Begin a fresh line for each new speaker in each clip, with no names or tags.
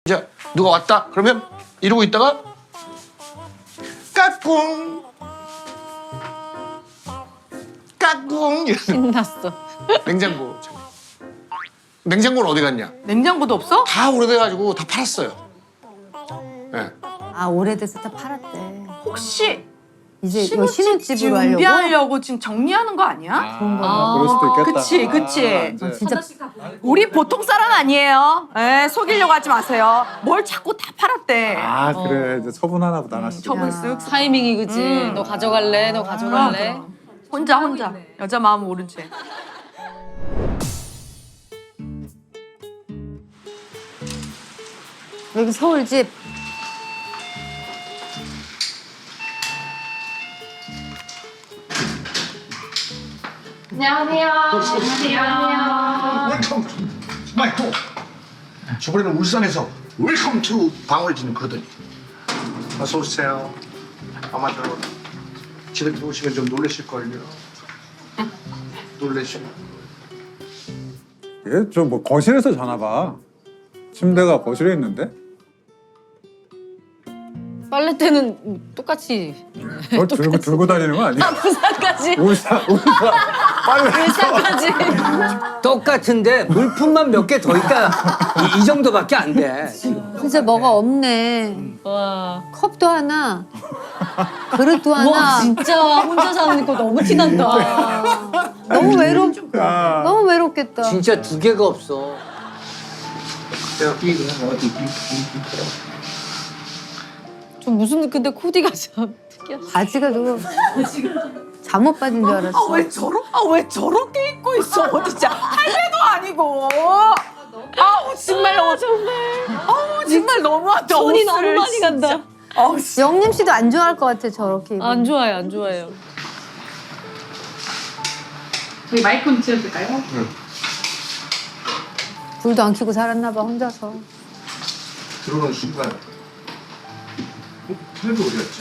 이제 누가 왔다 그러면 이러고 있다가 까꿍 까꿍
신났어.
냉장고. 냉장고는 어디 갔냐?
냉장고도 없어?
다 오래돼가지고 다 팔았어요. 네.
아 오래돼서 다 팔았대.
혹시
이제 이거 신혼집으로 하려고?
준비하려고 지금 정리하는 거 아니야?
그런 거.
그럴 수도 있겠다.
그치.
이제
진짜
우리 보통 사람 아니에요. 속이려고 하지 마세요. 뭘 자꾸 다 팔았대.
그래 이제 처분 하나보다 하나씩.
처분 쓱.
타이밍이 그지. 너 가져갈래? 너 가져갈래?
혼자. 여자 마음 모른 채.
여기 서울집.
웰컴 투 마이 홈. 저번에는 울산에서 웰컴 투 방울진 그러더니 어서 오세요. 아마도 집에 들어오시면 좀 놀라실걸요. 놀라시고.
얘좀뭐 거실에서 자나 봐. 침대가 거실에 있는데?
빨래대는 똑같이.
저 들고 다니는 거 아니야?
부산까지.
울산 빨리.
부산까지.
똑같은데 물품만 몇 개 더 있다. 이 정도밖에 안 돼.
진짜 뭐가 없네.
와.
컵도 하나, 그릇도 하나.
와 진짜 혼자 사는 거 너무 티난다.
너무
아.
너무 외롭겠다.
진짜 두 개가 없어.
여기 어디?
좀 무슨 근데 코디가 참 특이하다.
바지가 누구 잠옷 바지인 줄 알았어.
왜 저렇게 입고 있어? 어디 진짜 할배도 아니고. 정말 정말 너무하다.
손이
옷을
너무 많이 간다.
영림 씨도 안 좋아할 것 같아 저렇게. 입으면.
안 좋아요, 안 좋아해요.
저희 마이크 좀 지어줄까요?
불도 안 켜고 살았나 봐 혼자서.
들어오는 순간 텔레비 어디 갔지?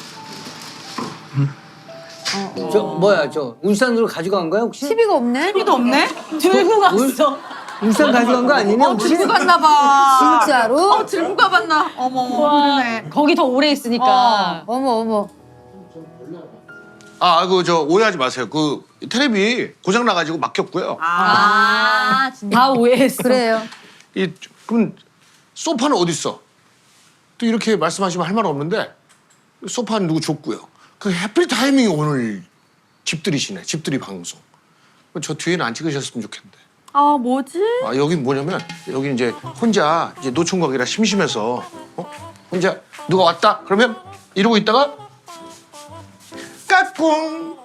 저 뭐야 저 울산으로 가져간 거야 혹시?
TV가 없네.
TV도 없네?
들고 갔어.
울산 가져간 거 아니냐 혹시?
들고 갔나 봐.
진짜로?
들고 가봤나? 어머 그러네.
거기 더 오래 있으니까.
어머.
그 저 오해하지 마세요. 그 텔레비 고장 나가지고 막혔고요.
다 오해했어.
그래요.
그럼 소파는 어디 있어? 또 이렇게 말씀하시면 할 말 없는데 소파는 누구 줬고요. 그 해필 타이밍이 오늘 집들이시네. 집들이 방송. 저 뒤에는 안 찍으셨으면 좋겠는데.
뭐지?
여긴 뭐냐면 여기 이제 혼자 이제 노총각이라 심심해서 혼자 누가 왔다 그러면 이러고 있다가 까꿍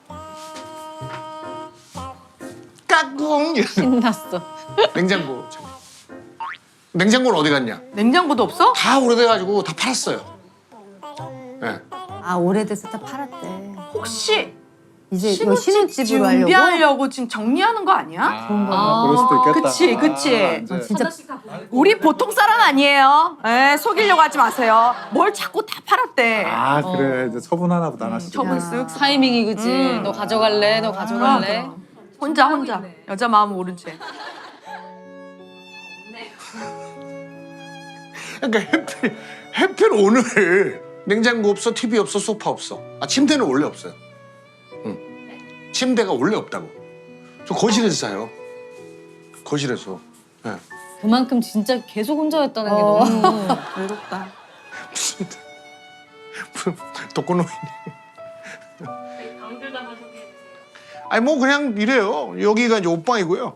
까꿍
신났어.
냉장고. 냉장고는 어디 갔냐?
냉장고도 없어?
다 오래돼가지고 다 팔았어요. 네.
아 오래돼서 다 팔았대.
혹시
이제 이거 신혼집으로 하려고?
준비하려고 지금 정리하는 거 아니야?
그런 거.
그럴 수도 있겠다.
그치.
이제
진짜
우리 보통 사람 아니에요. 속이려고 하지 마세요. 뭘 자꾸 다 팔았대.
그래 이제 처분 하나보다 하나씩.
처분 쓱.
타이밍이 그지. 너 가져갈래? 너 가져갈래?
혼자. 여자 마음 모른 채.
그러니까 해필 오늘 냉장고 없어, TV 없어, 소파 없어. 침대는 원래 없어요. 침대가 원래 없다고. 저 거실에서 자요. 거실에서. 네.
그만큼 진짜 계속 혼자였다는 게 너무.
외롭다.
무슨 독거노인이. 뭐 그냥 이래요. 여기가 이제 옷방이고요.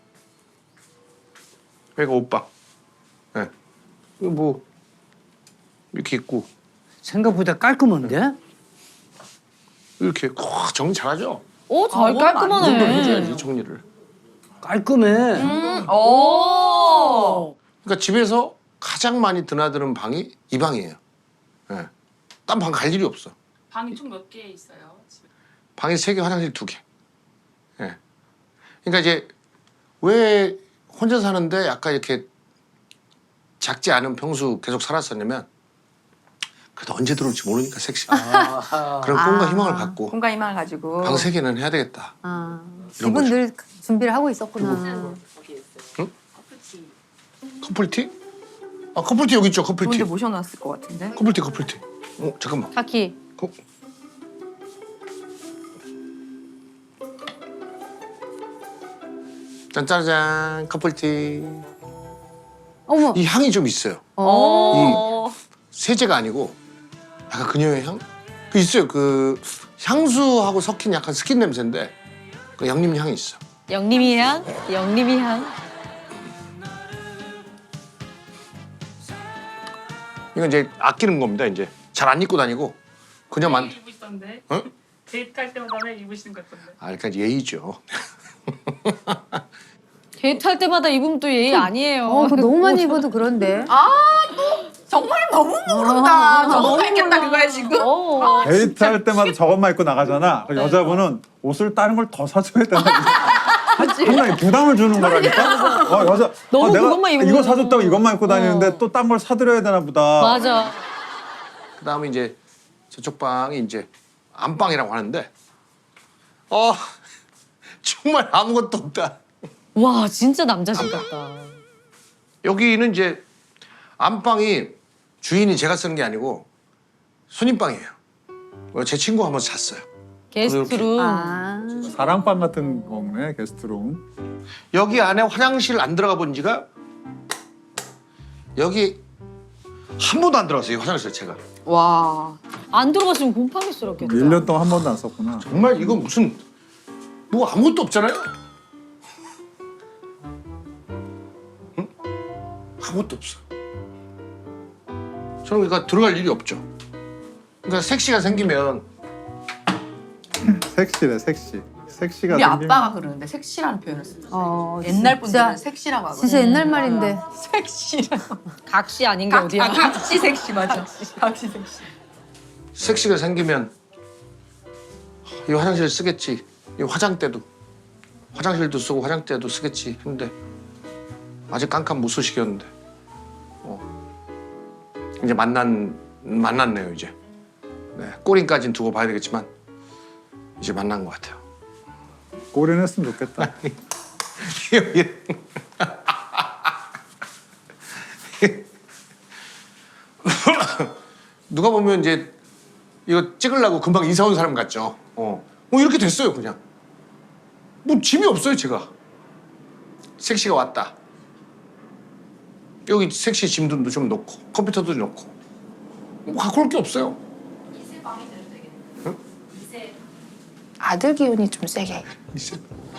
여기가 옷방. 네. 뭐 이렇게 있고
생각보다 깔끔한데?
이렇게 정리 잘하죠.
잘
이 정도는
깔끔하네.
해줘야지 정리를.
깔끔해.
오.
그러니까 집에서 가장 많이 드나드는 방이 이 방이에요. 네. 딴 방 갈 일이 없어.
방이 총 몇 개 있어요? 집에?
방이 3개, 화장실 2개. 예. 그러니까 이제 왜 혼자 사는데 약간 이렇게 작지 않은 평수 계속 살았었냐면 그래도 언제 들어올지 모르니까 섹시가. 그런 꿈과 희망을 갖고
공간 희망을 가지고.
방 3개는 해야 되겠다. 이런
집은
거죠.
늘 준비를 하고 있었구나.
거기 있어요.
응?
커플티.
커플티? 아 커플티 여기 있죠
좋은데
커플티.
모셔놨을 것 같은데.
커플티. 잠깐만.
카키.
짠짜잔 커플티.
어머.
이 향이 좀 있어요.
어.
세제가 아니고 약간 그녀의 향? 그 있어요. 그 향수하고 섞인 약간 스킨 냄새인데 그 양념 향이 있어.
영림이 향. 영림이 향.
이건 이제 아끼는 겁니다. 이제 잘 안 입고 다니고 그냥
매일 입으시던데.
어?
데이트할 때마다 매일 입으시는 것 같던데.
아, 그러니까 예의죠.
데이트할 때마다 입으면 또 예의 아니에요.
그거 너무 많이 입어도 그런데.
정말 너무 모른다. 너무 했겠다 그거야 지금.
어.
데이트할 때마다 저것만 입고 나가잖아. 그 여자분은 옷을 다른 걸 더 사줘야 되나? 상당히 부담을 주는 거라니까. 여자.
너무
내가
그것만 입으면-
이거 사줬다고 이것만 입고 다니는데 또 딴 걸 사드려야 되나 보다.
맞아.
그다음에 이제 저쪽 방이 이제 안방이라고 하는데 정말 아무것도 없다.
와 진짜 남자집 같다.
여기는 이제 안방이 주인이 제가 쓰는 게 아니고 손님방이에요. 제 친구 한번 잤어요.
게스트룸.
아.
사랑방 같은 거네 게스트룸.
여기 안에 화장실 안 들어가 본 지가 여기 한 번도 안 들어갔어요. 이 화장실 제가.
와.
안 들어갔으면 곰팡이스럽겠다.
1년 동안 한 번도 안 썼구나.
정말 이거 무슨 뭐 아무것도 없잖아요. 응? 아무것도 없어. 저는 그러니까 들어갈 일이 없죠. 그러니까 섹시가 생기면
섹시래 섹시. 섹시가
우리
생기면
아빠가 그러는데 섹시라는 표현을 쓴다. 옛날 분들은
진짜,
섹시라고 하거든.
진짜 옛날 말인데.
섹시라고.
각시 아닌 게 어디야?
각시 섹시 맞아. 각시 섹시.
섹시가 생기면 이 화장실 쓰겠지. 이 화장대도 화장실도 쓰고 화장대도 쓰겠지 했는데 아직 깜깜 못 쓰시겠는데 이제 만났네요 이제. 네, 꼬린까지는 두고 봐야 되겠지만 이제 만난 것 같아요.
꼬리는 했으면 좋겠다.
누가 보면 이제 이거 찍으려고 금방 이사 온 사람 같죠. 뭐 이렇게 됐어요 그냥. 뭐 짐이 없어요 제가. 섹시가 왔다. 여기 섹시 짐도 좀 놓고 컴퓨터도 놓고 뭐 갖고 올 게 없어요.
아들 기운이 좀 세게.
있어.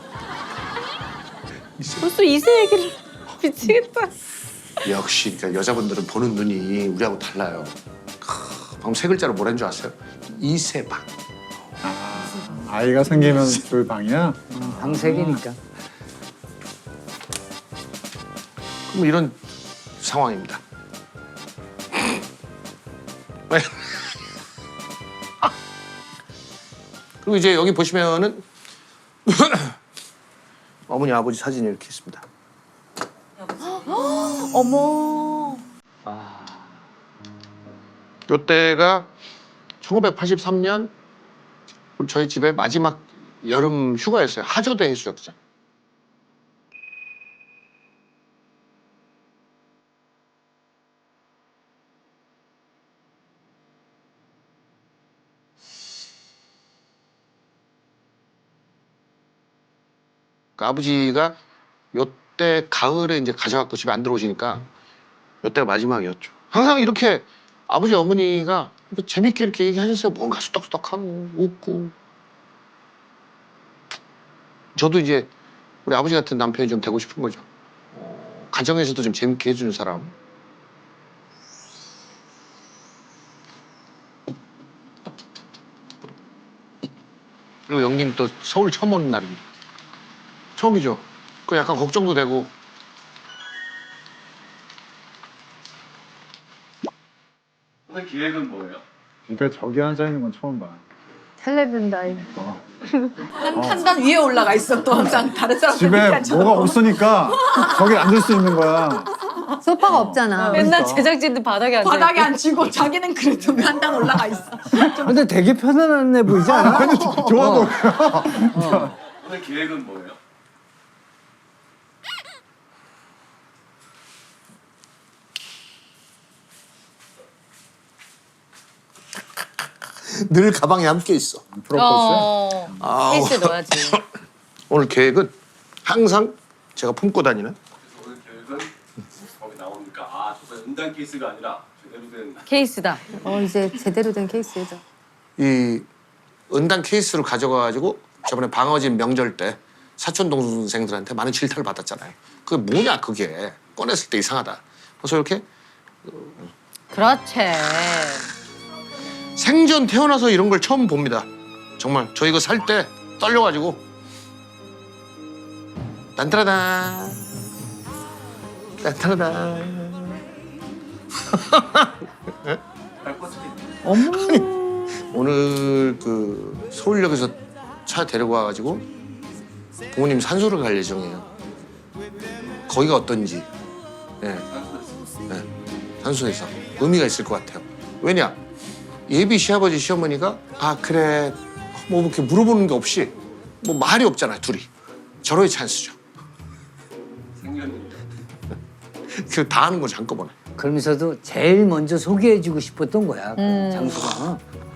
벌써 이세 얘기를 미치겠다.
역시 그러니까 여자분들은 보는 눈이 우리하고 달라요. 방금 세 글자로 뭐라는 줄 아세요? 이세방.
아이가 생기면 줄 방이야.
방색이니까.
그럼 이런 상황입니다. 그리고 이제 여기 보시면은 어머니 아버지 사진이 이렇게 있습니다.
어머.
이때가 1983년 저희 집의 마지막 여름 휴가였어요. 하조대 해수욕장. 그 아버지가 요때 가을에 이제 가셔갖고 집에 안 들어오시니까 요때가 마지막이었죠. 항상 이렇게 아버지 어머니가 이렇게 재밌게 이렇게 얘기하셨어요. 뭔가 수덕수덕하고 웃고. 저도 이제 우리 아버지 같은 남편이 좀 되고 싶은 거죠. 가정에서도 좀 재밌게 해주는 사람. 그리고 영님 또 서울 처음 오는 날입니다. 처음이죠. 그 약간 걱정도 되고.
오늘 기획은 뭐예요?
그러니까 저기 앉아 있는 건 처음 봐.
텔레비전 다이.
한 단 위에 올라가 있어 또 항상 다른 사람들
집에 뭐가 없으니까 저기 앉을 수 있는 거야.
소파가 없잖아.
맨날 제작진들 바닥에 앉아.
바닥에 앉히고 자기는 그래도 한 단 올라가 있어.
근데 되게 편안해 보이지 않아?
좋아도.
오늘 기획은 뭐예요?
늘 가방에 함께 있어.
프로포즈.
아우.
케이스 넣어야지.
오늘 계획은 항상 제가 품고 다니는
오늘 계획은 거기 나오니까 아 저거 은단 케이스가 아니라 제대로 된
케이스다.
이제 제대로 된 케이스다.
이 은단 케이스를 가져가가지고 저번에 방어진 명절 때 사촌 동생들한테 많은 질타를 받았잖아요. 그게 뭐냐 그게 꺼냈을 때 이상하다. 그래서 이렇게
그렇지.
생전 태어나서 이런 걸 처음 봅니다. 정말 저 이거 살 때 떨려가지고 딴따라단 딴따라단 오늘 그 서울역에서 차 데리고 와가지고 부모님 산소를 갈 예정이에요. 거기가 어떤지 예. 예. 산소에서 의미가 있을 것 같아요. 왜냐 예비 시아버지 시어머니가 아 그래 뭐 이렇게 물어보는 게 없이 뭐 말이 없잖아요 둘이. 절호의 찬스죠.
생년일이요.
그 다 하는 거죠 한꺼번에.
그러면서도 제일 먼저 소개해주고 싶었던 거야. 그 장소가.